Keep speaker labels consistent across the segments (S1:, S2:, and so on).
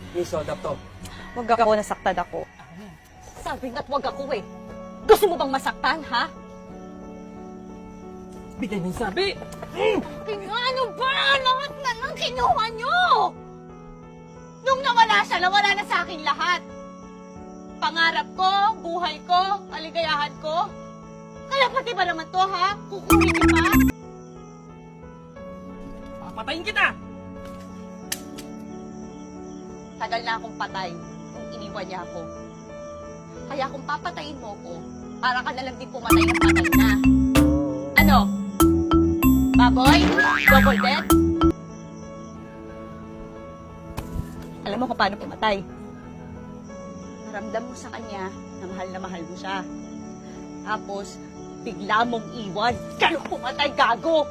S1: Miss, hold up to.
S2: Huwag ako, nasaktan ako.
S3: Sabi nga't wag ako eh. Gusto mo bang masaktan, ha?
S1: Bigay mo yung sabi!
S3: Ano ba? Lahat na nang kinuha nyo! Nung nawala siya, nawala na sa akin lahat. Pangarap ko, buhay ko, kaligayahan ko. Kaya pati ba naman to, ha? Kukunin niyo pa?
S1: Papatayin kita!
S3: Tagal na akong patay kung iniwan niya ako. Kaya kung papatayin mo ko, para ka na lang din pumatay ng patay na. Ano? Baboy? Double death? Alam mo kung paano pumatay? Naramdam mo sa kanya na mahal mo siya. Tapos, bigla mong iwan. Ganun pumatay, gago!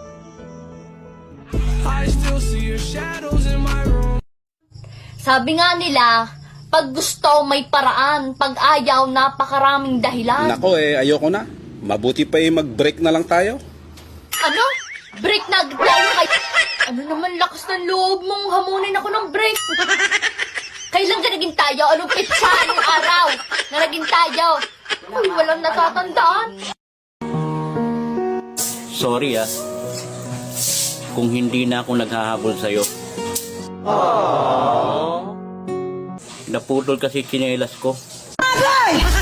S4: I still see your shadows in my room.
S5: Sabi nga nila, pag gusto may paraan, pag ayaw napakaraming dahilan.
S6: Nako ayoko na. Mabuti pa mag-break na lang tayo.
S5: Ano? Break na agad tayo kay... Ano naman lakas ng loob mong hamunin ako ng break? Kailan ka naging tayo? Anong pitsa? Anong araw na naging tayo? Uy, walang natatandaan.
S7: Sorry kung hindi na ako naghahabol sa'yo. Naputol kasi tsinelas ko.
S8: Aray!